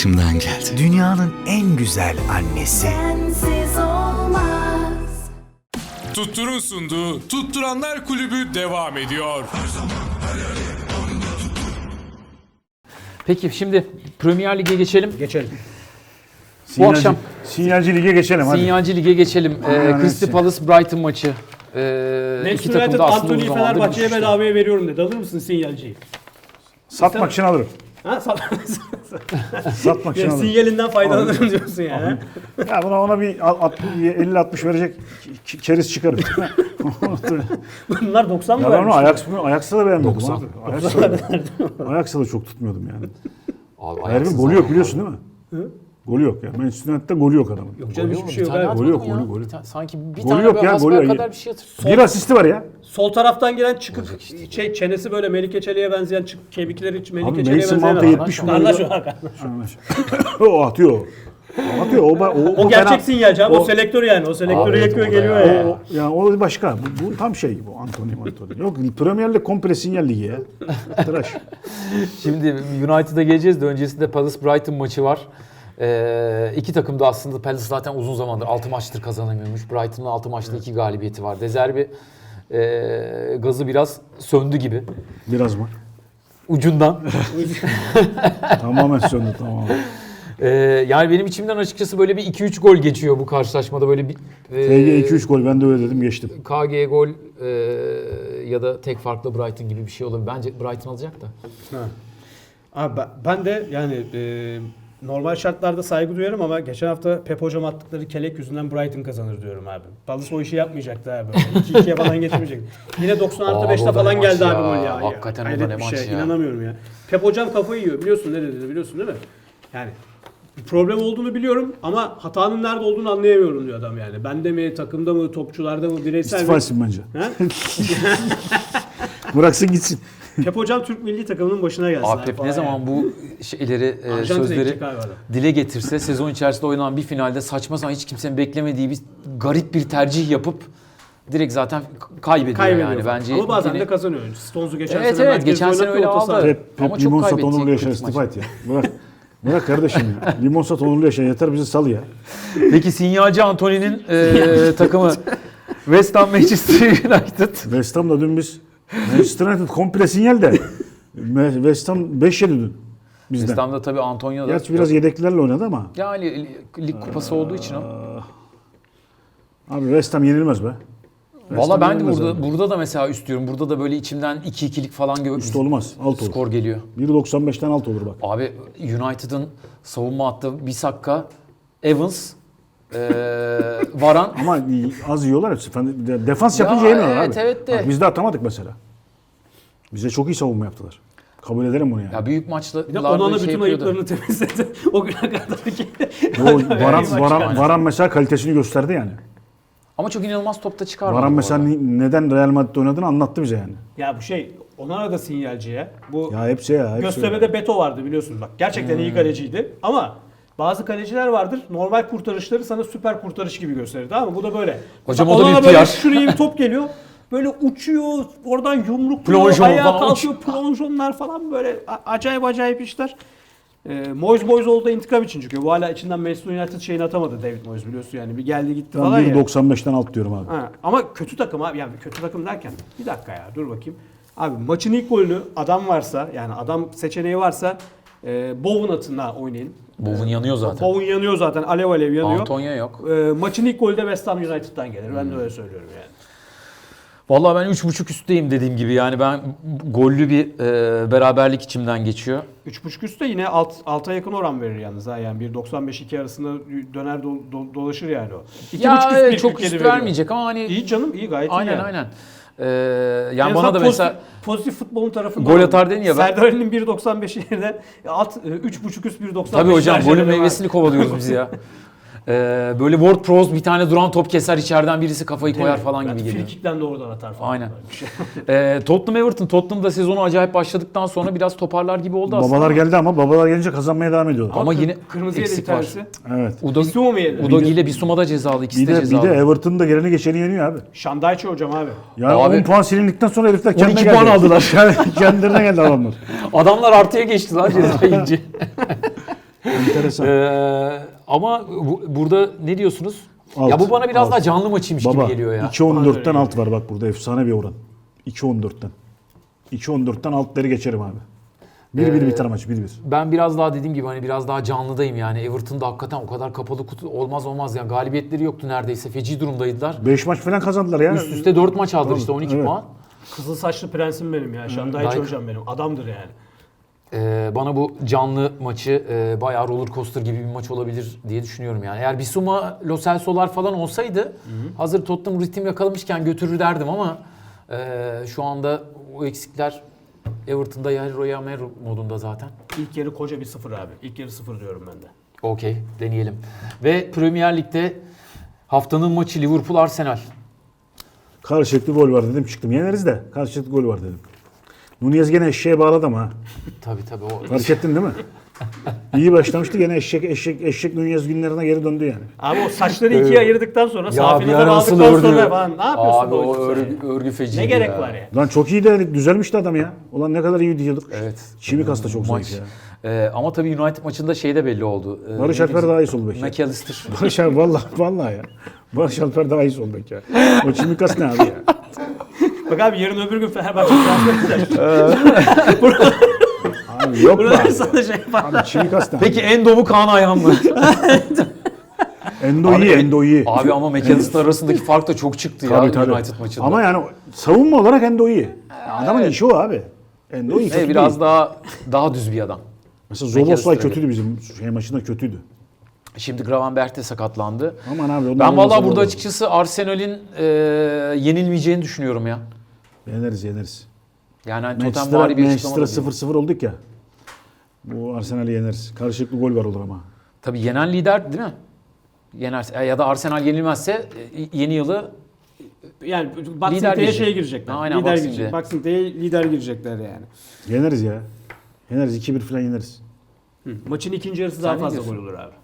içimden geldi. Dünyanın en güzel annesi. Sensiz olmaz. Tuttur'un sunduğu Tutturanlar Kulübü devam ediyor. Peki şimdi Premier Lig'e geçelim. Geçelim. Bu akşam Sinyalci Lig'e geçelim hadi. Sinyalci Lig'e geçelim. Crystal Palace Brighton maçı. İki Manchester takım United da aslında Anthony'yi uzun zamandır Fenerbahçe'ye düşüşte. bedavaya veriyorum dedi. Alır mısın sinyalciyi? Satmak için alırım. Ha? Satmak için Yani alırım. sinyalinden faydalanırım diyorsun yani. Ya ona bir 50-60 verecek keriz çıkarım. Bunlar 90 mı Ya ben onu vermiş? Ajax'ta da beğenmedim 90. abi. Ajax'ta da çok tutmuyordum yani. Abi, Herifin ayaksız golü yok adam biliyorsun değil mi? Golü yok ya. Manchester United'da golü yok adamın. Yok canım Golü hiçbir yok, şey bir yok. tane abi. Golü yok, atmadı mı golü. ya? Sanki bir Golü tane yok böyle ya, hasbel golü yok. kadar bir şey atır. Bir asisti var ya. Sol taraftan gelen çıkık çenesi böyle Melike Çelik'e benzeyen kemikleri hiç Melike Abi Çelik'e Mason benzeyen Mount'a adam. 70 Kardeş milyon. o. O atıyor. O atıyor. O gerçek fena- sinyalci abi. O selektör yani. O selektörü Abi, yakıyor o da geliyor ya. ya. Yani o başka. Bu tam şey bu Anthony. Yok Premier Lig komple sinyal ligi ya. Tıraş. Şimdi United'a geleceğiz de öncesinde Palace Brighton maçı var. İki takım da aslında Palace zaten uzun zamandır 6 maçtır kazanamıyormuş. Brighton'ın 6 maçta 2 galibiyeti var. De Zerbi gazı biraz söndü gibi. Biraz mı? Ucundan. Tamamen söndü tamamen. Yani benim içimden açıkçası böyle bir 2-3 gol geçiyor bu karşılaşmada. Böyle bir TG 2-3 gol ben de öyle dedim geçtim. KG gol ya da tek farklı Brighton gibi bir şey olabilir. Bence Brighton alacak da. Abi ben de yani normal şartlarda saygı duyarım ama geçen hafta Pep hocam attıkları kelek yüzünden Brighton kazanır diyorum abi. Palace o işi yapmayacaktı abi. 2-2'ye falan getirmeyecekti. Yine 90+5'te o da falan ne geldi maç abi ya. gol ya. Hakikaten o da Hayret ne bir maç şey. ya. İnanamıyorum ya. Pep hocam kafayı yiyor. Biliyorsun ne dedi biliyorsun değil mi? Yani bir problem olduğunu biliyorum ama hatanın nerede olduğunu anlayamıyorum diyor adam yani. Bende mi, takımda mı, topçularda mı, bireysel İstifa mi? etsin bence. Ha? Bıraksın gitsin. Pep hocam Türk milli takımının başına gelsin. Abi Pep ne zaman bu şeyleri, Arjantin'e sözleri gidecek abi adam. dile getirse sezon içerisinde oynanan bir finalde saçma sapan hiç kimsenin beklemediği bir garip bir tercih yapıp direkt zaten kaybediyor yani falan. bence. Ama bazen yine- de kazanıyor. Stones'u geçen Evet, sene evet, merkezde geçen sene oynattı, öyle orta aldı. saha. Pep Ama çok limon sat kaybedecek onurlu yaşar kötü istifa maç. et ya. Bırak kardeşim ya. Limon sat onurlu yaşar yeter bizi sal ya. Peki sinyalci Anthony'nin takımı West Ham Manchester United. West Ham'da dün biz Manchester United komple sinyal de West Ham 5 yedi dün bizden. West Ham'da tabii Antonio da. Gerçi biraz yedeklilerle oynadı ama. Yani lig kupası olduğu için o. Abi West Ham yenilmez be. Valla ben de yenilmez burada, abi. burada da mesela üst burada da böyle içimden 2-2'lik falan Üst olmaz. Alt olur. skor geliyor. 1.95'ten alt olur bak. Abi United'ın savunma hattı Bissaka, Evans, Varan. Ama az yiyorlar hepsi. Defans Ya yapınca yemiyorlar evet, abi. evet de. Bak, biz de atamadık mesela. Bize çok iyi savunma yaptılar. Kabul ederim bunu yani. Ya büyük Bir de maçlarda Onana şey bütün yapıyordu. ayıplarını temizledi. O güne kadar ki. O Varan mesela kalitesini gösterdi yani. Ama çok inanılmaz topta çıkarmadı. Varan bu mesela arada. neden Real Madrid'de oynadığını anlattı bize yani. Ya bu şey Onana da sinyalci ya. Bu Ya hepsi ya. Hepsi Göztepe'de Beto vardı biliyorsun bak. Gerçekten iyi kaleciydi ama bazı kaleciler vardır. Normal kurtarışları sana süper kurtarış gibi gösterir tamam mı? Bu da böyle. Hocam Mesela o da Onana bir böyle PR. şuraya bir top geliyor. Böyle uçuyor, oradan yumrukluyor, Plonjon ayağa falan kalkıyor, plonjonlar falan böyle acayip işler. Moyes oldu intikam için çünkü bu hala içinden Manchester United şeyini atamadı David Moyes biliyorsun yani bir geldi gitti Ben falan ya. 1.95'ten alt diyorum abi. Ha, ama kötü takım abi yani kötü takım derken bir dakika ya dur bakayım. Abi maçın ilk golünü adam varsa yani adam seçeneği varsa Bowen atına oynayın. Bowen yanıyor zaten. Bowen yanıyor zaten alev yanıyor. Antonio yok. Maçın ilk golü de West Ham United'dan gelir. Ben de öyle söylüyorum yani. Vallahi ben 3.5 üstteyim dediğim gibi. Yani ben gollü bir beraberlik içimden geçiyor. 3.5 üstte yine alta yakın oran verir yalnız ha yani 1.95-2 arasında döner dolaşır yani o. 2.5 üst çok 1.47 üst veriyor. vermeyecek ama hani İyi canım iyi gayet iyi aynen yani. aynen. En Yani bana azından da mesela pozitif futbolun tarafında gol atar dedin ya ben. Serdar Ali'nin 1.95 yerine 3.5 üst 1.95. Tabii hocam tercih golün ederim meyvesini kovalıyoruz biz ya. Böyle Ward Prowse bir tane duran top keser içeriden birisi kafayı abi. koyar falan Belki gibi geliyor. Frikikten de oradan atar falan. Aynen. Böyle bir şey. Tottenham Everton. Tottenham'da sezonu acayip başladıktan sonra biraz toparlar gibi oldu aslında. Babalar geldi ama babalar gelince kazanmaya devam ediyorlar. Ama yine Kırmızı yedi bir eksik var. tanesi. Evet. Bissouma mı yedi? Udogi ile Bissouma da cezalı. İkisi Bir de de cezalı. Everton'ın da geleni geçeni yeniyor abi. Şandayçı hocam abi. Yani Abi- 10 puan silindikten sonra herifler kendine 12 geldi. puan aldılar. Kendilerine geldi adamlar. Adamlar artıya geçti lan ceza yiyince. Enteresan. Ama burada ne diyorsunuz? Alt, Ya bu bana biraz alt. daha canlı maçıymış Baba gibi geliyor ya. 2.14'ten alt var bak burada efsane bir oran. 2.14'ten. 2.14'ten altları geçerim abi. 1-1 biter maç 1-1. Ben biraz daha dediğim gibi hani biraz daha canlıdayım yani. Everton'da hakikaten o kadar kapalı kutu olmaz yani. Galibiyetleri yoktu neredeyse. Feci durumdaydılar. 5 maç falan kazandılar ya. Üst üste 4 maç aldılar işte 12 Evet. puan. Kızıl saçlı prensim benim ya. Şandayiç Dayı- hocam benim. Adamdır yani. Bana bu canlı maçı bayağı roller coaster gibi bir maç olabilir diye düşünüyorum yani. Eğer Bissouma, Lo Celso'lar falan olsaydı hazır Tottenham ritim yakalamışken götürür derdim ama şu anda o eksikler Everton'da Yairo Meru modunda zaten. İlk yarı koca bir 0 abi. İlk yarı 0 diyorum ben de. Okey, deneyelim. Ve Premier Lig'de haftanın maçı Liverpool-Arsenal. Karşılıklı gol var dedim çıktım. Yeneriz de karşılıklı gol var dedim. Nunez gene eşeğe bağladı ama ha. Tabii o. Fark ettin değil mi? İyi başlamıştı gene eşek Nunez günlerine geri döndü yani. Abi o saçları ikiye ayırdıktan sonra Ya safi bir nazar ara nasıl aldıktan ördü? sonra falan ne yapıyorsun? Abi bu o oyuncusu örgü feciydi Ne gerek ya. var ya? Lan çok iyi de düzelmişti adam ya. Ulan ne kadar iyi diyorduk. Evet. Çimikas da çok Maç. zayıf ya. Ama tabii United maçında şey de belli oldu. Barış Alper daha iyi sol bek ya. McAllister. Barış Alper vallahi ya. Barış Alper daha iyi sol bek ya. O Çimikas ne abi ya? Bak abi yarın öbür gün Fenerbahçe transfer edecek. Abi yok be Burada abi. sana şey yapar. Abi Çimikas ne? Peki Endo mu Kaan Ayhan mı? Endo iyi. Abi ama McAllister arasındaki fark da çok çıktı ya Tabii, tabii. United maçında. Ama yani savunma olarak Endo iyi. Adamın işi o abi. Endo iyi. kötü biraz değil. daha düz bir adam. Mesela Zoboslay McAllister'a kötüydü bizim maçında kötüydü. Şimdi Gravenberch de sakatlandı. Aman abi. ondan Ben olmasa vallahi burada olur. açıkçası Arsenal'in yenilmeyeceğini düşünüyorum ya. Yeneriz. Yani hani Tottenham'vari bir açıklama da Manchester'a değil. 0-0 olduk ya. Bu Arsenal'i yeneriz. Karşılıklı gol var olur ama. Tabii yenen lider değil mi? Yenerse ya da Arsenal yenilmezse yeni yılı Yani Boxing Lider Day'e girecek. şeye girecekler. Aynen, lider Boxing girecek. Day. Boxing Day'e lider girecekler yani. Yeneriz ya. Yeneriz 2-1 falan yeneriz. Maçın ikinci yarısı daha ne fazla diyorsun? gol olur abi.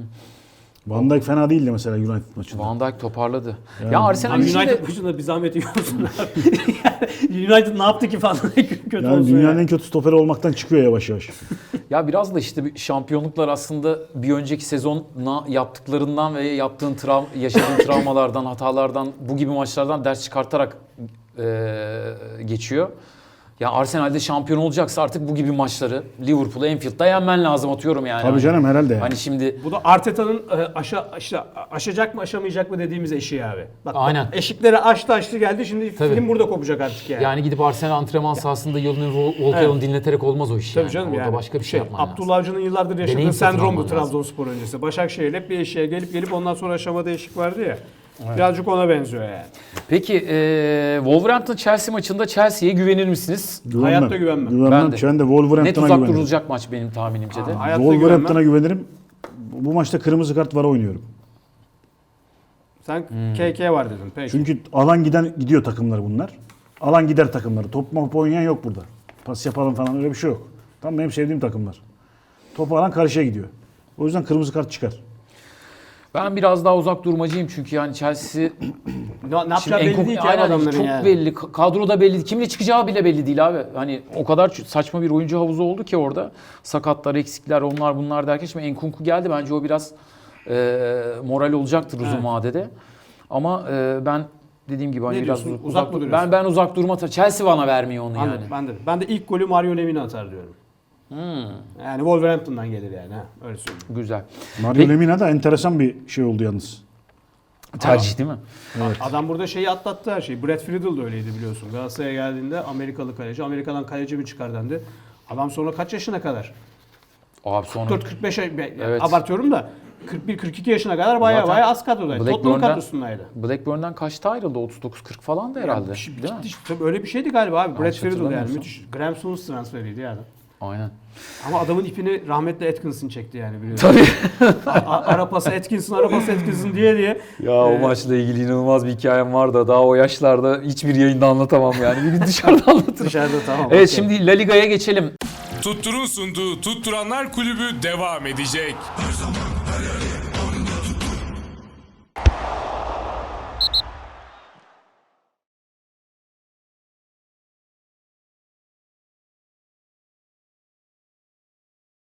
Van Dijk fena değildi mesela United maçında. Van Dijk toparladı. Yani- Ya Arsenal Abi için de United maçında bir zahmet yiyorsun abi. Yani United ne yaptı ki falan kötü Yani olsun dünyanın yani. en kötü stoperi olmaktan çıkıyor yavaş yavaş. ya biraz da işte bir şampiyonluklar aslında bir önceki sezona yaptıklarından ve yaşadığın travmalardan, hatalardan, bu gibi maçlardan ders çıkartarak geçiyor. Ya Arsenal'de şampiyon olacaksa artık bu gibi maçları Liverpool'u Anfield'da yenmen lazım atıyorum yani. Tabii canım herhalde yani. Hani şimdi Bu da Arteta'nın aşacak mı aşamayacak mı dediğimiz eşiği abi. Bak, Aynen. Eşikleri aştı geldi şimdi Tabii. film burada kopacak artık yani. yani gidip Arsenal antrenman sahasında Yılın Volkan'ı dinleterek olmaz o iş Tabii yani. canım Orada yani. başka bir şey yapman lazım. Abdullah Avcı'nın yıllardır yaşadığı Deneyim satın sendrom bu alman lazım. Trabzonspor öncesi. Başakşehir hep bir eşiğe gelip ondan sonra aşamada eşik vardı ya. Birazcık ona benziyor yani. Peki Wolverhampton-Chelsea maçında Chelsea'ye güvenir misiniz? Hayatta güvenmem. Güvenmem. Ben de. Ben de Net Wolverhampton'a uzak güvenirim. durulacak maç benim tahminimce de. Hayatta Wolverhampton'a güvenmem. güvenirim. Bu maçta kırmızı kart var oynuyorum. Sen KK var dedin peki. Çünkü alan gidiyor takımlar bunlar. Alan gider takımları. Top oynayan yok burada. Pas yapalım falan öyle bir şey yok. Tam benim sevdiğim takımlar. Topu alan karşıya gidiyor. O yüzden kırmızı kart çıkar. Ben biraz daha uzak durmacıyım çünkü yani Chelsea Ne yapacağı belli değil ki abi aynen, adamların çok yani. belli. Kadroda belli. Kimle çıkacağı bile belli değil abi. Hani o kadar saçma bir oyuncu havuzu oldu ki orada. Sakatlar, eksikler, onlar bunlar derken şimdi Enkunku geldi. Bence o biraz moral olacaktır uzun vadede. Ama ben dediğim gibi hani Ne biraz diyorsun? Uzak mı duruyorsun? ben uzak durma. Chelsea bana vermiyor onu Anladım, yani. ben de ilk golü Mario Lemina atar diyorum. Yani Wolverhampton'dan gelir yani ha öyle söyleyeyim. Güzel. Mario Peki- Lemina da enteresan bir şey oldu yalnız. Tercih değil mi? Adam burada şeyi atlattı her şeyi. Brad Friedel de öyleydi biliyorsun. Galatasaray'a geldiğinde Amerikalı kaleci. Amerika'dan kaleci mi çıkar dendi. Adam sonra kaç yaşına kadar? Abi sonra 44-45 Evet. abartıyorum da 41-42 yaşına kadar baya Zaten baya az kadrodaydı. Tottenham Blackburn'dan- kadrosundaydı. Blackburn'dan kaçta ayrıldı? 39-40 falan da herhalde. Değil mi? Tabii öyle bir şeydi galiba abi. Brad Yanlış Friedel yani hatırlamıyorsam. müthiş. Graham Souness transferiydi yani. Aynen. Ama adamın ipini rahmetli Atkinson çekti yani biliyorsun. Tabii. Arapası Atkinson diye. Ya o maçla ilgili inanılmaz bir hikayem var da daha o yaşlarda hiçbir yayında anlatamam yani. Bir gün dışarıda anlatırım. Dışarıda tamam. Evet okey. şimdi La Liga'ya geçelim. Tuttur'un sunduğu Tutturanlar Kulübü devam edecek.